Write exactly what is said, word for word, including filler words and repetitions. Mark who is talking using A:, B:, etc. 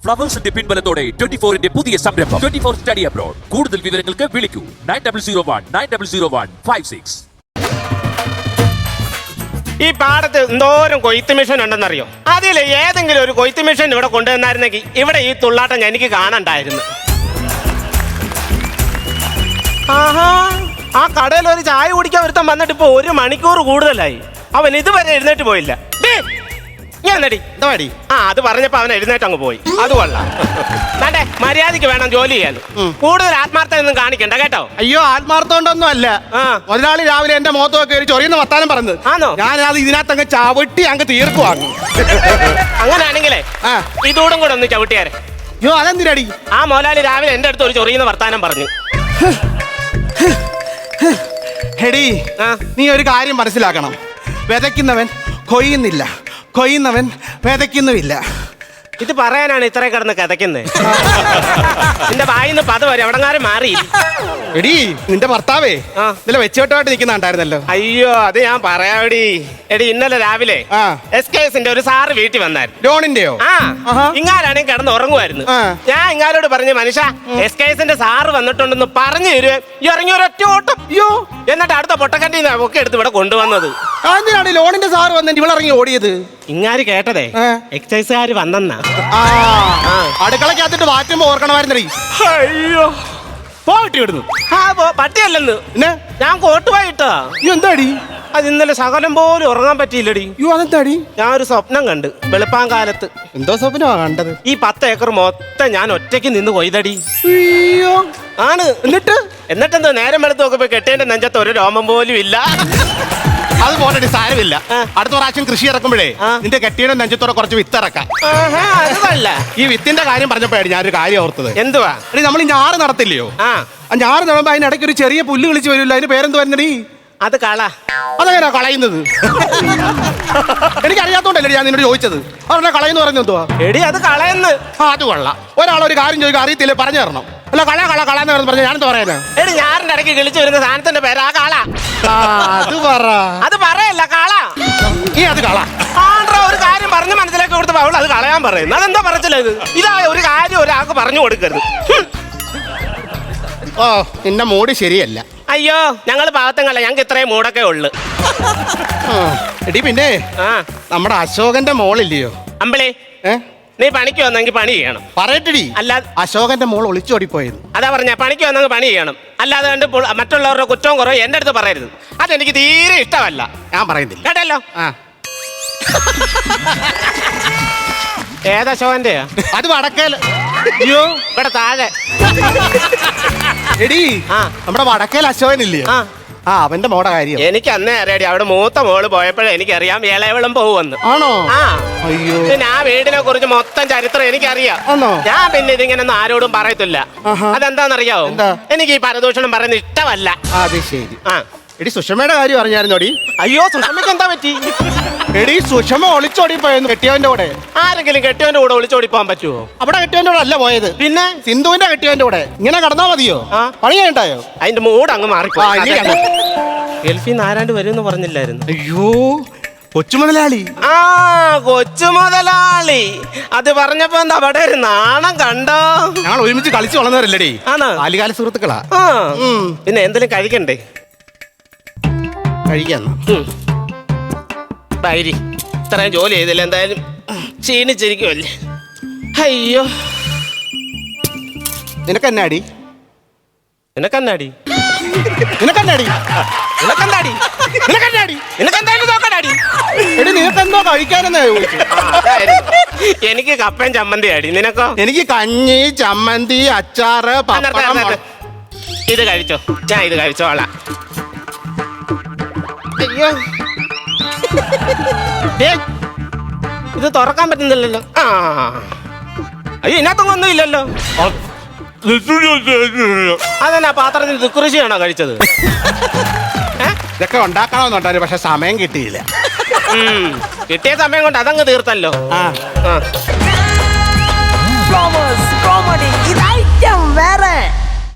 A: ഫ്ലവേഴ്സിന്റെ പിൻബലത്തോടെ twenty ഫോറിന്റെ പുതിയ സംരംഭം ട്വന്റി ഫോർ സ്റ്റഡി അബ്രോഡ്. കൂടുതൽ വിവരങ്ങൾക്ക് വിളിക്കൂ nine double zero one nine double zero one five six.
B: ഈ പാടത്ത് എന്തോരം കൊയ്ത്ത് മെഷീൻ ഉണ്ടെന്നറിയോ? അതിൽ ഏതെങ്കിലും ഒരു കൊയ്ത്ത് മെഷീൻ ഇവിടെ കൊണ്ടുവന്നായിരുന്നെങ്കിൽ ഇവിടെ ഈ തുള്ളാട്ടം എനിക്ക് കാണണ്ടായിരുന്നു. ആഹാ, ആ കടയിൽ ഒരു ചായ കുടിക്കാൻ ഒരുത്തൻ വന്നിട്ട് ഇപ്പൊ ഒരു മണിക്കൂർ കൂടുതലായി. അവൻ ഇതുവരെ എഴുന്നേറ്റ് പോയില്ല. ഞാൻ നടി ആ അത് പറഞ്ഞപ്പോ അവൻ എഴുന്നേറ്റ് അങ്ങ് പോയി. അത് കൊള്ളാം. വേണ്ടേ, മര്യാദക്ക് വേണം ജോലി ചെയ്യാൻ. കൂടുതൽ ആത്മാർത്ഥത ഒന്നും കാണിക്കണ്ട കേട്ടോ.
C: അയ്യോ, ആത്മാർത്ഥമുണ്ടൊന്നും അല്ല. മുതലാളി രാവിലെ എന്റെ മുഖത്തൊക്കെ കയറി ചൊറിയുന്ന വർത്താനം പറഞ്ഞത്.
B: ആണോ?
C: ഞാൻ അത് ഇതിനകത്ത് അങ്ങ് ചവിട്ടി അങ്ങ് തീർക്കുവാങ്ങ്.
B: അങ്ങനെയാണെങ്കിലേ ഇതോടും കൂടെ ഒന്ന് ചവിട്ടിയാരെ.
C: അയ്യോ, അതെന്തിനടി?
B: ആ മുതലാളി രാവിലെ എന്റെ അടുത്ത് ഒരു ചൊറിയുന്ന വർത്താനം പറഞ്ഞു.
C: ഹെടി, നീ ഒരു കാര്യം മനസ്സിലാക്കണം. വിതയ്ക്കുന്നവൻ കൊയ്യുന്നില്ല, കൊയ്യുന്നവൻ വിതയ്ക്കുന്നുമില്ല.
B: ഇത് പറയാനാണ് ഇത്ര കിടന്ന് കഥയ്ക്കുന്നത്. നിന്റെ വായിന്ന് പത വരെ എവിടെങ്ങാരും മാറി.
C: എടി, നിന്റെ ഭർത്താവേ ഇന്നലെ വെച്ചോട്ടമായിട്ട് നിൽക്കുന്നുണ്ടായിരുന്നല്ലോ.
B: അയ്യോ, അത് ഞാൻ പറയാടി. എടി, ഇന്നലെ രാവിലെ എസ് കെ എസിന്റെ ഒരു സാറ് വീട്ടിൽ വന്നായിരുന്നു.
C: ലോണിന്റെയോ?
B: ആ, ഇങ്ങാരാണെങ്കിൽ കിടന്ന് ഉറങ്ങുമായിരുന്നു. ഞാൻ ഇങ്ങാരോട് പറഞ്ഞു, മനുഷ്യ എസ് കെ എസിന്റെ സാറ് വന്നിട്ടുണ്ടെന്ന് പറഞ്ഞു തരുവേ. ഇറങ്ങി ഒരൊറ്റ ഓട്ടം. അയ്യോ, എന്നിട്ട് അടുത്ത പൊട്ടക്കണ്ടി ഒക്കെ എടുത്ത് ഇവിടെ കൊണ്ടുവന്നത്.
C: എന്തിനാണ് ലോണിന്റെ സാറ് വന്നിട്ട് ഇവിടെ ഇറങ്ങി ഓടിയത്?
B: ഇങ്ങാര് കേട്ടതേ എക്സൈസുകാര് വന്നെന്നാ.
C: അടുക്കളക്കകത്തിട്ട് വാറ്റുമ്പോ ഓർക്കണമായിരുന്നേ.
B: അയ്യോ, പോയിട്ട് വിടുന്നു. ആ പട്ടിയല്ലെന്ന് ഞാൻ കോട്ടുപോയിട്ടാ.
C: എന്താടി?
B: അത് ഇന്നലെ ശകലം പോലും ഉറങ്ങാൻ പറ്റിയില്ലടി.
C: യോ, അതെന്താടി?
B: ഞാൻ ഒരു സ്വപ്നം കണ്ട് വെളുപ്പാങ്കാലത്ത്.
C: എന്തോ സ്വപ്നമാ കണ്ടത്?
B: ഈ പത്ത് ഏക്കർ മൊത്തം ഞാൻ ഒറ്റയ്ക്ക് നിന്ന് കൊയ്തടി.
C: അയ്യോ,
B: ആണ്. എന്നിട്ട് എന്നിട്ടെന്തോ നേരം വെളുത്ത് നോക്കുമ്പോ കെട്ടേന്റെ നെഞ്ചത്ത് ഒരു രോമം പോലും ഇല്ല.
C: അത് പോലടി, സാരമില്ല. അടുത്ത പ്രാവശ്യം കൃഷി ഇറക്കുമ്പോഴേ നിന്റെ കെട്ടിയുടെ നെഞ്ചത്തോടെ കുറച്ച് വിത്ത് ഇറക്കാം. ഈ വിത്തിന്റെ കാര്യം പറഞ്ഞപ്പോഴാണ് ഞാനൊരു കാര്യം ഓർത്തത്.
B: എന്തുവാ?
C: നമ്മൾ ഈ ഞാറ് നടത്തില്ലയോ? ആ ഞാറ് നടുമ്പോ അതിനിടയ്ക്ക് ഒരു ചെറിയ പുല്ല് കളിച്ച് വരില്ല. അതിന് പേരെന്ത് വരുന്നടി?
B: അത് കള.
C: അതെങ്ങനെയാ കളയുന്നത്? എനിക്കറിയാത്തോണ്ടല്ലേ ഞാൻ നിന്നോട് ചോദിച്ചത്. അതെന്നാ കളയെന്ന് പറയുന്നത് എന്തുവാ?
B: എടി, അത് കളയെന്ന്.
C: അത് കൊള്ളാം. ഒരാളൊരു കാര്യം ചോദിക്കാൻ അറിയത്തില്ലേ, പറഞ്ഞു തരണം. അല്ല, കള കള കളന്ന് പറഞ്ഞ ഞാനെന്താ പറയാനാ?
B: എടി, ഞാറിന്റെ ഇടയ്ക്ക് കിളിച്ചു വരുന്ന സാധനത്തിന്റെ പേരാ കള.
C: അത് പറ.
B: അത് പറയല്ല, കള.
C: ഈ അത് കള.
B: ആണ്ട്രാ, ഒരു കാര്യം പറഞ്ഞ് മനസ്സിലാക്കി കൊടുത്തപ്പോ അവൾ അത് കളയാൻ പറയുന്നത്. അതെന്താ പറച്ചില്ല ഇത്? ഇതാ ഒരു കാര്യം ഒരാൾക്ക് പറഞ്ഞു കൊടുക്കരുത്.
C: ഓ, നിന്റെ മൂഡ് ശരിയല്ല.
B: അയ്യോ, ഞങ്ങള് പാവത്തങ്ങളല്ല, ഞങ്ങൾക്ക് ഇത്രയും മൂടൊക്കെ ഉള്ളു.
C: എടി, പിന്നെ നമ്മുടെ അശോകന്റെ മോളില്ലയോ
B: അമ്പിളി? നീ പണിക്ക് വന്നെങ്കിൽ പണി ചെയ്യണം.
C: പറയട്ടടി.
B: അല്ലാതെ
C: അശോകന്റെ മോൾ ഒളിച്ചോടിപ്പോയത്.
B: അതാ പറഞ്ഞ, പണിക്ക് വന്നെങ്കിൽ പണി ചെയ്യണം. അല്ലാതെ കണ്ട് മറ്റുള്ളവരുടെ കുറ്റവും കുറവും എന്റെ അടുത്ത് പറയരുത്. അതെനിക്ക് തീരെ ഇഷ്ടമല്ല.
C: ഞാൻ പറയുന്നില്ല
B: കേട്ടല്ലോ. ഏതാ അശോകന്റെയാ? അത് വടക്കേല്. അയ്യോ, ഇവിടെ താഴെ.
C: എടി, നമ്മുടെ വടക്കേൽ അശോകനില്ലേ? ആ, അവന്റെ മോടെ കാര്യം
B: എനിക്ക് അന്നേ അറിയാടി. അവിടെ മൂത്ത മോള് പോയപ്പോഴേ എനിക്കറിയാം ഇളയവളും പോവുമെന്ന്.
C: ആണോ?
B: ആ.
C: അയ്യോ,
B: പിന്നെ ആ വീടിനെ കുറിച്ച് മൊത്തം ചരിത്രം എനിക്കറിയാം. ഞാൻ പിന്നെ ഇതിങ്ങനെ ആരോടും പറയത്തില്ല. അതെന്താന്നറിയാവോ? എനിക്ക് ഈ പരദൂഷണം പറയുന്നത് ഇഷ്ടമല്ല.
C: അത് ശരി. ആ, എടി, സുഷമയുടെ കാര്യം അറിഞ്ഞായിരുന്നോടി?
B: അയ്യോ, സുഷമയ്ക്ക് എന്താ പറ്റി?
C: എടി, സുഷമ ഒളിച്ചോടി പോയെന്ന് കെട്ടിയവന്റെ കൂടെ.
B: ആരെങ്കിലും കെട്ടിയവന്റെ കൂടെ ഒളിച്ചോടി പോകാൻ പറ്റുമോ?
C: അവിടെ കെട്ടിയവന്റെ കൂടെ അല്ല പോയത്, പിന്നെ സിന്ധുവിന്റെ കെട്ടിയവന്റെ കൂടെ. ഇങ്ങനെ കടന്നാ മതിയോ? പണി ചെയ്യണ്ടായോ?
B: അതിന്റെ മൂഡ് അങ്ങ് മാറിപ്പോയി. ഗൾഫിൽ നിന്ന് ആരാണ്ട് വരുമെന്ന് പറഞ്ഞില്ലായിരുന്നു?
C: അയ്യോ, കൊച്ചു മുതലാളി.
B: ആ, കൊച്ചു മുതലാളി. അത് പറഞ്ഞപ്പോ എന്താ അവിടെ ഒരു നാണം കണ്ടോ?
C: ഞങ്ങൾ ഒരുമിച്ച് കളിച്ചു വളർന്നവരല്ലേടി.
B: ആണോ?
C: ബാല്യകാല സുഹൃത്തുക്കളാ.
B: പിന്നെ എന്തെങ്കിലും കഴിക്കണ്ടേ?
C: കഴിക്കാന്നോ?
B: ബൈരി, ഇത്രയും ജോലി ചെയ്തില്ല, എന്തായാലും ക്ഷീണിച്ചിരിക്കുമല്ലേ. അയ്യോ,
C: നിനക്കെന്നാടി?
B: നിനക്കെന്നാടി?
C: നിനക്കെന്നാടി?
B: നിനക്കെന്താടി? നിനക്കെന്താടി? നിനക്കെന്തായാലും നോക്കണ്ടാടി.
C: എടി, നിനക്കെന്തോ കഴിക്കാനെന്നാ ചോദിച്ചു.
B: എനിക്ക് കപ്പയും ചമ്മന്തി അടി. നിനക്കോ?
C: എനിക്ക് കഞ്ഞി, ചമ്മന്തി, അച്ചാറ്, പപ്പടം.
B: ഇത് കഴിച്ചോ, ഞാൻ ഇത് കഴിച്ചോളാം. അയ്യോ, ഇത് തുറക്കാൻ പറ്റുന്നില്ലല്ലോ. ആ, അയ്യോ, ഇതിനകത്തൊന്നും ഒന്നും ഇല്ലല്ലോ. അതെന്നാ പാത്രത്തിൽ ദുഃഖൃഷിയാണോ കഴിച്ചത്?
C: ഇതൊക്കെ ഉണ്ടാക്കണമെന്നുണ്ടായിരുന്നു, പക്ഷെ സമയം കിട്ടിയില്ല.
B: കിട്ടിയ സമയം കൊണ്ട് അതങ്ങ് തീർത്തല്ലോ.
D: Flowers comedy. It item well.